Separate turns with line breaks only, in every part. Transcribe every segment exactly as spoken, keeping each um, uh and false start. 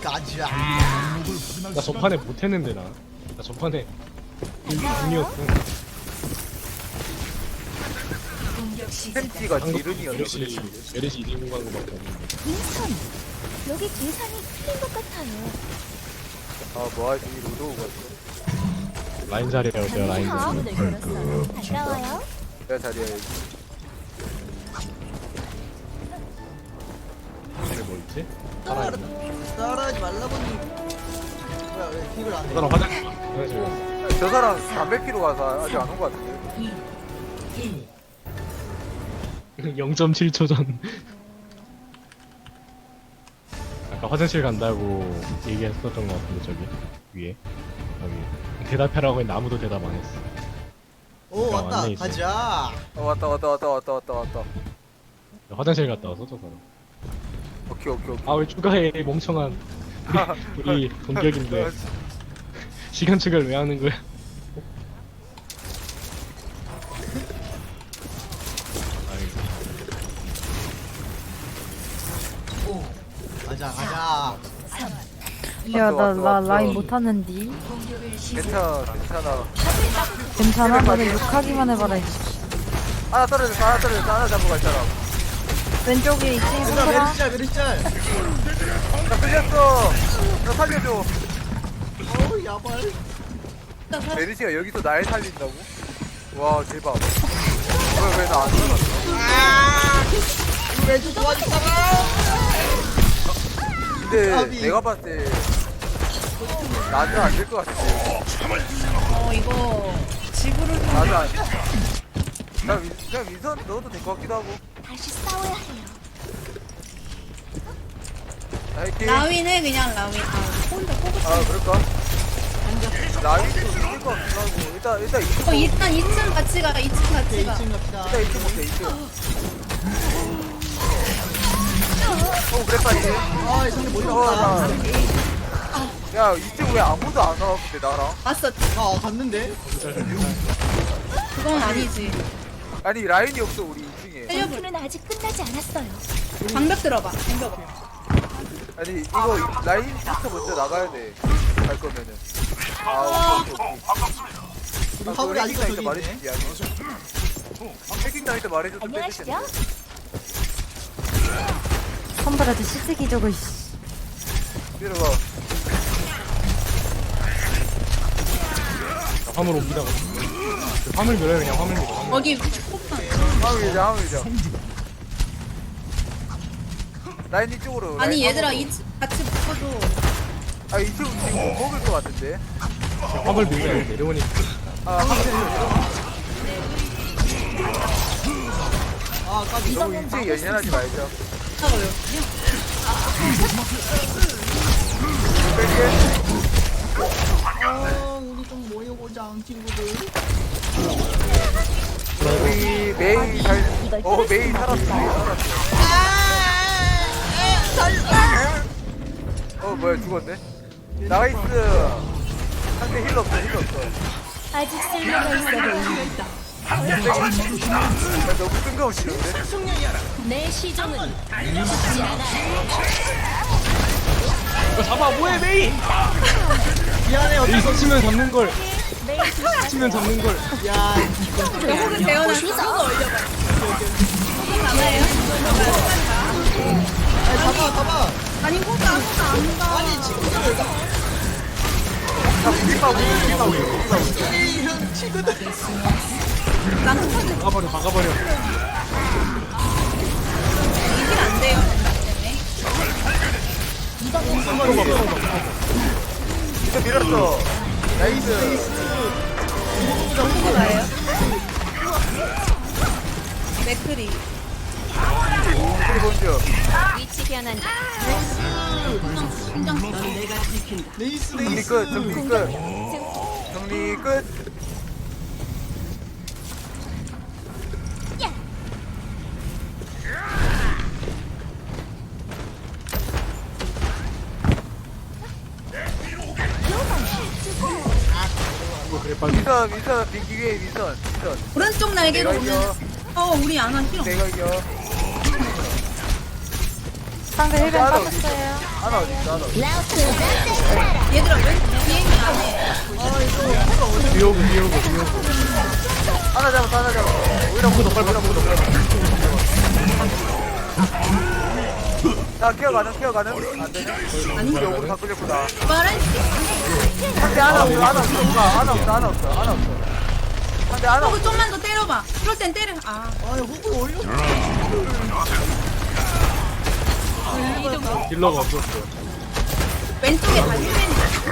가자.
나 전판에 못했는데 나. 나 전판에 운이었어.
팬티가 지른이었어.
메르시 메르시 이기고 가는 거밖에 없는데.
윈선, 여기 계산이 틀린 것 같아요.
아 뭐하지 로드오가 있어.
라인 자리에요, 제가 라인 자리.
화분을 걸었어요. 반가워요.
내가 자리야 여기.
근데 뭐 있지?
따라 따라하지 말라고니. 뭐야 왜 킥을 안 해?
사람 화장실 가. 화장실 갔어.
저 사람 담배 피러 가서 아직 안 온 거 같은데.
영 점 칠 초 전. 아까 화장실 간다고 얘기했었던 것 같은데 저기 위에 여기 대답하라고 했는데 아무도 대답 안 했어.
오
야,
왔다.
왔네, 이제.
가자.
어 왔다 왔다 왔다 왔다 왔다 왔다.
화장실 갔다 왔어 저 사람.
오케이 오케이 오케이.
아 왜 추가해 멍청한. 우리, 우리 동격인데 시간 측을 왜 하는 거야?
가자 가자.
야, 나,
왔어,
나
왔어.
라인 못하는디.
괜찮아 괜찮아.
괜찮아? 너는 욕하기만 해봐라. 이씨.
하나 떨어졌어 하나 떨어졌어 하나 잡고 갈 사람.
왼쪽에 있지,
얘들아
손들아.
메리짤 메리짤.
나 끌렸어. 나 살려줘.
어우 야발.
메르시가 여기서 날 살린다고? 와 대박. 왜 왜 나 안 살았어?
이거 왜좀 도와줄까봐.
근데
아비.
내가 봤을 때 나는 안 될 것 같아.
어 이거 지구를
나도 안. 나 윈, 그냥 윈선 넣어도 될 것 같기도 하고.
다시 싸워야 해요.
나이팅.
라윈해 그냥 라윈. 아 혼자 뽑을
아 그럴까? 라인도 이길 것 같기도 하고. 일단 일단 이층
어 일단 이 층 같이 가. 이 층 같이 가.
이 층 갑시다.
일단 이층 볼게 이층. 어 그래 빨리.
아 상대 못
어,
잡았다.
나. 야 이층 왜 아무도 안 와? 근데 나랑.
왔어.
아 갔는데.
그건 아니지.
아니 라인이 없어 우리 이층에.
살려볼.
전투는 아직 끝나지 않았어요.
방벽 들어봐. 방벽.
아니 이거 라인부터 먼저 나가야 돼. 갈 거면은. 아 오케이 오케이 오케이.
우리 화물이 아직도
해킹
저기
당할 때
있네.
말해주지 아니. 해킹 당할 때 말해줬으면
안녕하시죠?
됐겠는데.
선발한테 시트기 저거, 이씨.
들어봐.
화물 옮기다가 화물 밀어요 그냥 화물 밀어. 화물.
거기 폭탄.
화물이자 화물이자. 라인 이쪽으로.
아니
라인
얘들아
화물로.
이 층 같이 붙어줘.
아 이쪽 지금 못 먹을 것 같은데.
화물 밀면 내려오니까.
아 화물.
아 까비.
너무 인생 연연하지 말자.
하고요.
뺄게.
어 우리 좀 모여보자 친구들.
우리 메이 잘. 어 메이 살았어. 메이 살았어. 어 뭐야 죽었네. 나이스. 상대 힐 없어 힐 없어.
아직 쓸모가 있어 보입니다.
나 너무 뜬금없이는데.
내 시종은 죽지 않아요.
이거 잡아 뭐해 메이?
미안해 어쩔
메이
수 없어.
치면 잡는 걸.
매일
치면 잡는 걸.
야
호그 재현을 수가 올려봐. 호그 가나요?
아니, 잡아 잡아.
아니 호그 아무도 안 가.
아니 친구들 왜 가?
나 비빔밥 비빔밥 비빔밥.
에이 형 친구들.
난 호그
박아버려 박아버려.
이길 안 돼요.
진짜 밀었어. 나이스.
호그 나예요. 맥크리.
우리 본주.
위치 변환.
레이스
정리
레이스.
끝. 정리 끝. 정리 끝.
그래 빨리.
민선 민선 빙기 위에 민선 민선.
오른쪽 날개로
내가
오는.
이겨.
어 우리 안한 필요.
내가 이겨.
상대 힐벤
하나 어디 있어?
빠졌어요.
하나 어디 있어? 하나 없어.
얘들아 왜 비행기 안 해?
비오고 비오고 비오고.
하나 잡았어 하나 잡았어. 오히려 보다 오히려 보다 오히려 자 케어 가능 케어 가능 안되냐?
아니
우리 오늘 다 끌렸구나.
말해.
한대 하나 없어 하나 없어 하나 없어 하나 없어 하나 없어 한대 하나 없어.
호그 좀만 더 때려봐. 그럴 땐 때려. 아
아니 호구 올려.
딜러가 없었어.
왼쪽에 다 힐맨이.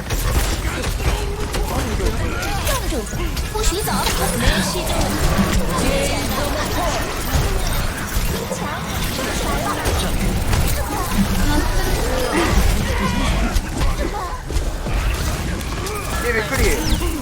不许走，没戏中。
얘 맥크리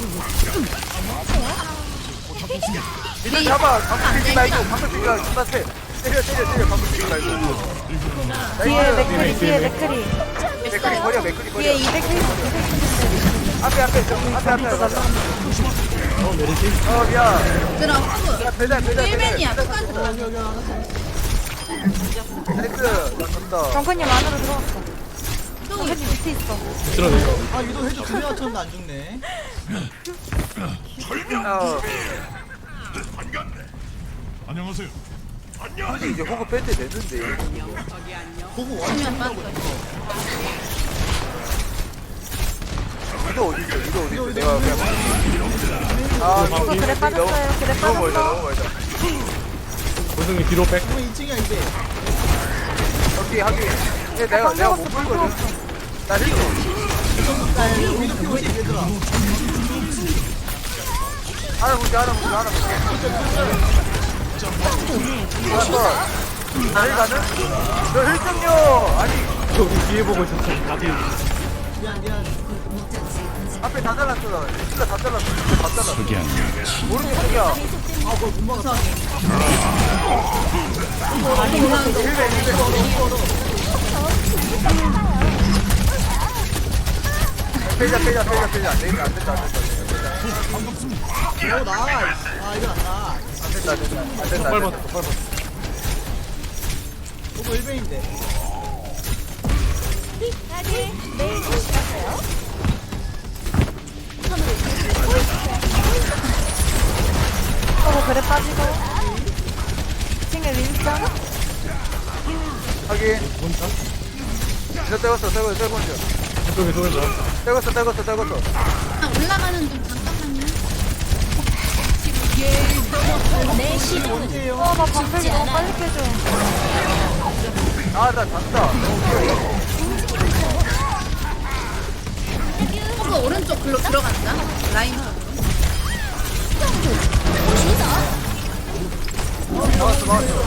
일단 잡아 방금 뛰지 말고 방금 뛰지 말고 존나 세 때려 때려 때려 방금 뛰지 말고
뒤에
나이스
맥크리, 뒤에 맥크리.
맥크리 버려 맥크리 버려
뒤에 이백 킬.
앞에 앞에 저, 앞에 앞에 앞에
어 메르시.
어 미안
얘들아 호그.
야 배달 배달
힐맨이야.
배달
똑같이.
나이스 나 졌다
정근님 안으로 들어왔어.
또
정근님 밑에 있어.
들어내려.
아 유도 해줘 두 명 맞췄는데 안 죽네.
어
안녕하세요.
근데 이제 호구 뺄 때 됐는데
호구 완전
화면 빠져.
이거 어디 있어 이거 어디 있어 내가 그냥 아
호구
그래 빠졌어요. 그래
너무 멀다
빠졌어.
너무 멀다
고승이 뒤로 백.
그러면 이 층이야 이제.
오케이 하긴 근데 내가 내가 못 불거든 나 힐러
위도 피고 있지 얘들아.
하나 볼게 하나 볼게 하나 볼게 알았어 나힐 가는? 너힐 좀요 아니
저기 뒤에 보고 있었어. 다들.
미안 미안.
앞에 다 잘랐어 나 진짜 다 잘랐어 진짜 다 잘랐어 모르는 속이야
아 그걸 못 막았어.
힐베 힐베 빼자 빼자 빼자 빼자 안 된다 안 된다 안 된다
오 나이스. 아 이건 안 나.
안 된다 안 된다 안 된다
빨리
안
봤어.
된다
빨리 봤어.
호구 일 배인데.
다들 내일 보시겠어요?
어, 그래 빠지고. 층에 윈스턴.
하긴 진짜 떼었어 떼었어 떼었어
저쪽에 소리죠.
떼었어 떼었어 떼었어
아, 올라가는 중 잠깐만요.
내 시도
어, 나 방패기 너무 빨리 깨져.
아나 잔다
호그 오른쪽 글로 들어간다. 라인 쪽으로.
나왔어 나왔어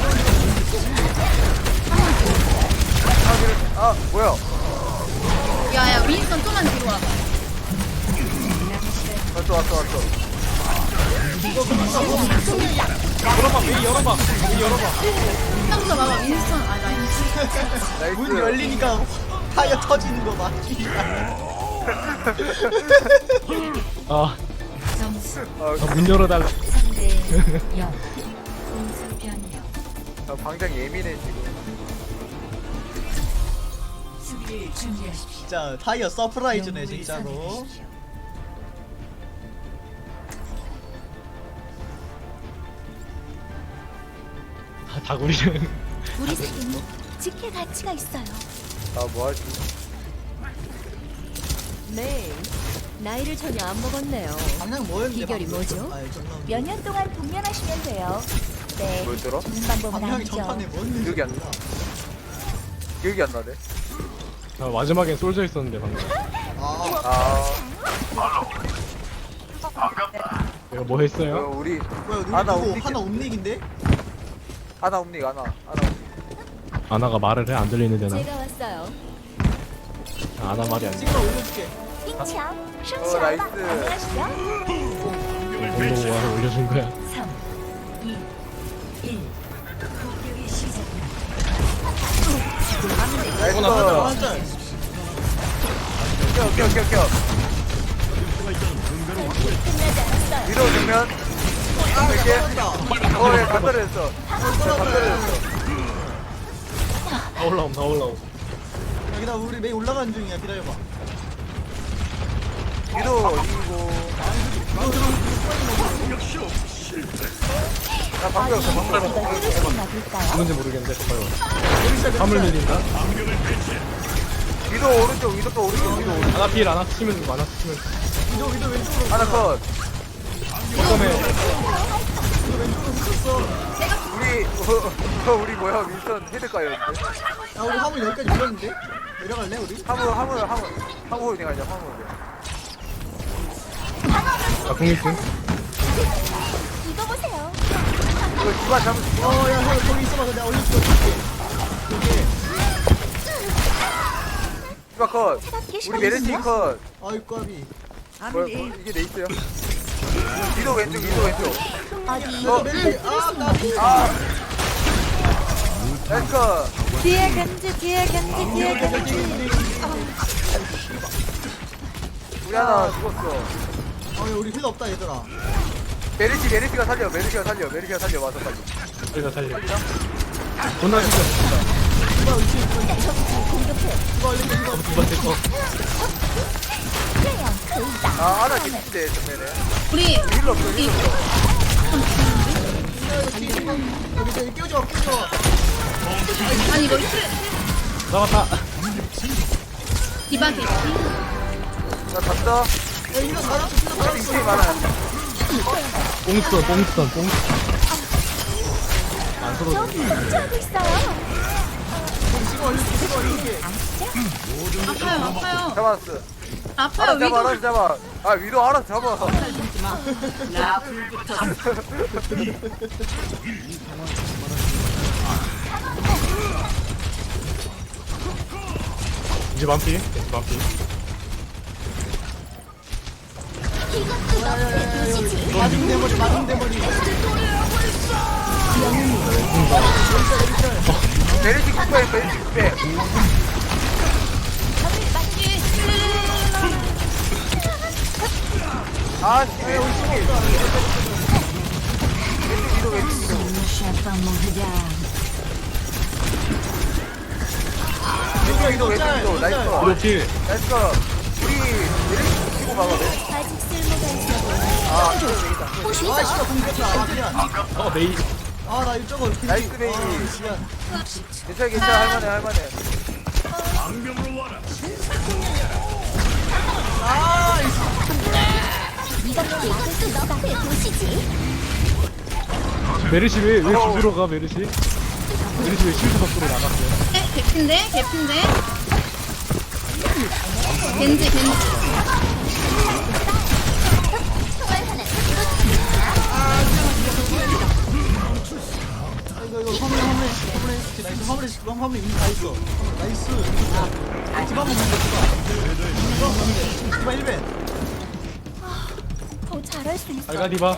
아, 그래. 아 뭐야
야야 윈스턴 좀만 뒤로 와봐.
왔어 왔어 왔어
열어봐. 왜 열어봐. 왜 열어봐.
한번더 봐봐 윈스턴. 아 라인.
나이스
문 열리니까 타이어 터지는 거 봐.
아,
아,
아, 문 열어달라.
나 방장 예민해 지금
진짜 타이어 서프라이즈네 진짜로.
아, 다구리는.
우리 사이는 지킬 가치가 있어요.
나 뭐하지
네. 나이를 전혀 안 먹었네요.
방향 뭐였는데?
비결이
방금?
뭐죠?
아 정말.
몇 년 동안 동면하시면 돼요. 네.
뭘 들어?
좋은 방법은
방향이
아니죠.
전판에 뭔지
기억이 안 나. 기억이 안 나네
아, 마지막엔 솔져 있었는데 방금.
아
아
내가 뭐
이거
했어요?
우리
뭐야 우리
하나
이거
옴닉
하나 옴닉인데?
하나 옴닉 하나 하나 옴닉
아나가 말을 해? 안 들리는데 나.
제가 왔어요.
아, 아나 말이 안 돼.
찍어 올려줄게.
핑창,
어,
슝샤
나이스.
안녕하시죠?
공동 와서 올려준 거야.
나이스
완전.
껴 껴 껴껴
끝나지 않았어요.
위로 주면 이렇게
떨어진다.
어예 다 떨어졌어 다 떨어졌어
다 올라옴, 다 올라옴.
기다려 우리 메이 올라가는 중이야 기다려봐.
위도 어디고? 나 방금 없어 방금
이걸 뚫을 수 있나 볼까요?
누군지 모르겠는데 봐요. 화물 밀린다.
위도 오른쪽 위도 또 오른쪽 위도 오른쪽.
하나 필 하나 치면 되고 하나 치면
위도 위도 왼쪽으로.
하나 컷.
처음에
우리 어, 우리 뭐야 윈선 헤드가였는데.
야 우리 화물 여기까지 밀었는데? 내려갈래 우리?
화물 화물 화물 화물 그냥 가자 화물.
아 공익등.
이거 보세요.
이거 기반 잡을 수 있어.
어야 형 거기 있어봐 내가 올려줄게. 여기.
기반 컷. 우리 메르시 컷.
아이 까비.
뭐, 뭐, 이게 내 있어요. 위도 왼쪽 위도 왼쪽.
어디
어.
메이 아 까비.
아. 나이스 컷.
뒤에 겐지, 뒤에 겐지, 뒤에 겐지.
우리 하나 죽었어.
아 우리 힐 없다 얘들아.
메르시 메르시가 살려 메르시가 살려 메르시가 살려 와서 빨리.
우리가 살려. 존나 죽여.
누가 위치 있어?
공격해.
누가 올리게 누가
두 번째 거.
그냥 그이다.
아 하나 깊은데 전면에.
우리
힐러 없어 힐러 없어.
여기 저기 끼워줘 마 끼워줘 마.
아니 이거 트레
나왔다.
디바 개피.
나 갔다.
야 이거 살았어 이거
여기 인생이
살았어.
많아.
뽕스턴 뽕스턴 뽕. 안 쏘러져.
좀 걱정하고 있어요.
지금 올릴게 지금 올릴게.
아파요 아파요.
잡았어.
아파요
알아서 잡아
위도.
알아서 잡아. 아 위도 알아서 잡아.
이제 반피. 이제 반피.
이것도 너의 도시지.
맞은 대머리 맞은 대머리.
메르시 국배 메르시 국배. 아 씨. 왜 우리 쪽에. 왼쪽 위도 왼쪽 위도. 왼쪽 위도 왼쪽 위도 나이스 컷.
이거 필.
나이스 컷. 우리 메르시 치고 가봐.
아직 쓸모가 있어 보여.
아 이거 되겠다.
아 씨발 공격했다. 아 미안.
어 메이.
아나 이쪽으로.
나이스 메이.
아 미안.
괜찮아 괜찮아 할만해 할만해.
아
이것도 너의 도시지.
메르시 왜왜 주주로 가 메르시? 메르시 왜 실드 밖으로 나갔어요?
네, 개피인데 개피인데. 겐지 겐지.
이거 이거 화물에 화물에 화물에 나이스 화물에 그럼 화물에 이미 다 있어. 나이스. 집 한번 먼저 봐. 디바 일 벤.
더 잘할 수 있어.
알가 디바.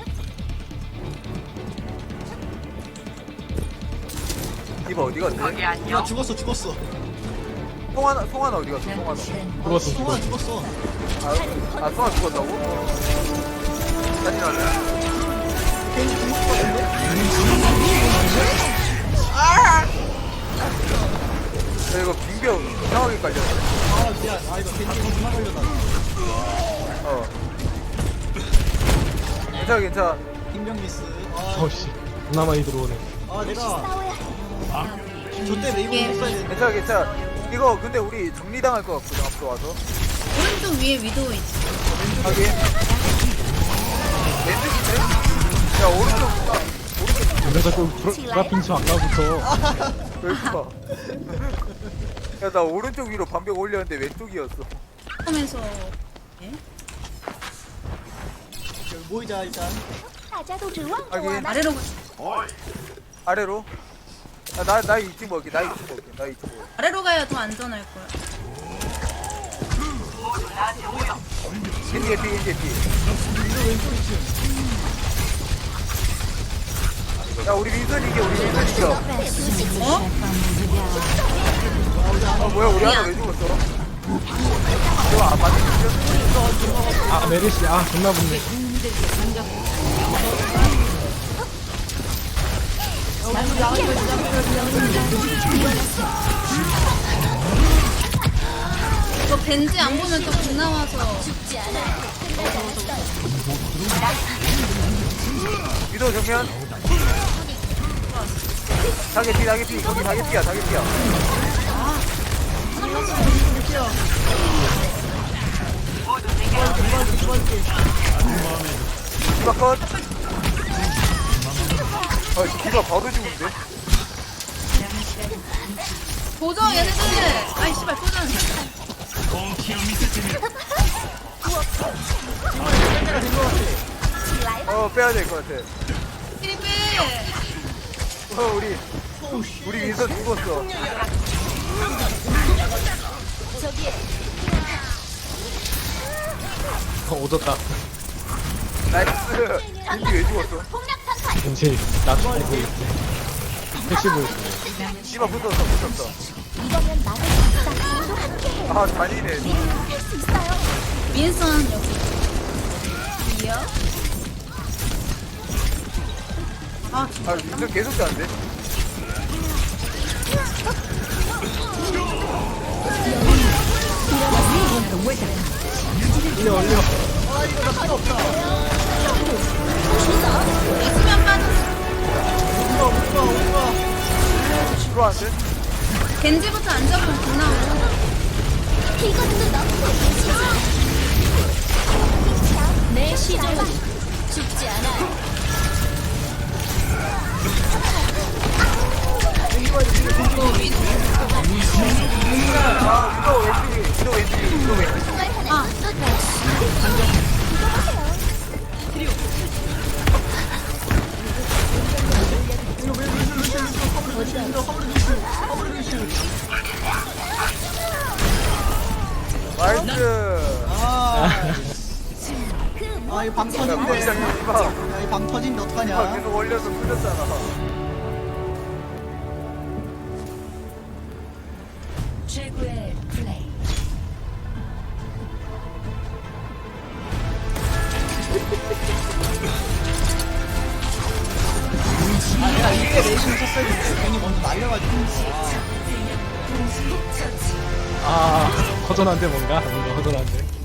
디바 어디 갔지?
야 죽었어 죽었어.
송하나 송하나 어디 갔어? 송하나.
죽었어
성아
죽었어.
죽었어.
아, 아 송하 죽었다고? 짜증나네.
괜히 죽을 것 같은데?
야, 이거 빙벽 이상하게 깔렸네.
아 미안. 아 이거 괜히 겁나 걸려다.
어. 괜찮아 괜찮아.
김병 미스. 아,
어씨. 존나 많이 들어오네.
아 내가
싸워야
저때 메이브
예.
했어야 되는데.
괜찮아 괜찮아. 이거 근데 우리 정리당할 것 같거든 앞서 와서.
오른쪽 위에 위도 있어.
하긴. 왼쪽인데? 야 오른쪽 아,
왜 자꾸 브라핑치 아까부터.
왼쪽. 야나 오른쪽 위로 반벽 올렸는데 왼쪽이었어.
하면서
여기 모이자 일단.
맞아도 좋아.
하긴
아래로
아래로. 나나 이쪽 먹게 나 이쪽 먹게 나 이쪽 먹게.
아래로 가야 더 안전할 거야.
겐지 겐지 겐지 겐지. 야 우리 민선 이겨 우리 민선 이겨.
어?
아 뭐야 우리 하나 왜 죽었어? 이거 안 맞는
아 메르시 아 존나 붙네.
벤지 안 보면 또못 나와서.
위도 정면. 다개피 다개피 거기 다개피야 다개피야. 디바 컷. 아 디바 바로 죽는데?
도저 얘네들. 아이 씨발 도전.
어 빼야 될 것 같아.
피리피.
어 우리 우리 윈서 죽었어.
어, 오졌다.
나이스. 윈디 왜 죽었어?
왠지 나 죽고 있어. 택시 보였어.
디바 붙었어 붙었어.
이거면 나를 진짜 모두 함께
아 잔이네.
할수 있어요.
윈선 여기. 이요. 아
아 윈서 계속 자는데?
올려 올려.
수면 빠졌어.
들어왔는데?
겐지부터 안 잡으면 못 나와.
이것도 너무 내 시종은 죽지 않아요.
아 위도 왼쪽이 위도 왼쪽이 위도 왼쪽이.
아
나이스.
아, 아, 이거 방
야
터진대.
거기다 디바.
야, 이 방 터진데
아
어떡하냐.
계속 올려서 풀렸잖아.
최고의 플레이.
아, 내가 이게 레이싱 쳤어야 되는데 괜히 먼저 날려가지고.
아, 허전한데 뭔가? 뭔가 허전한데.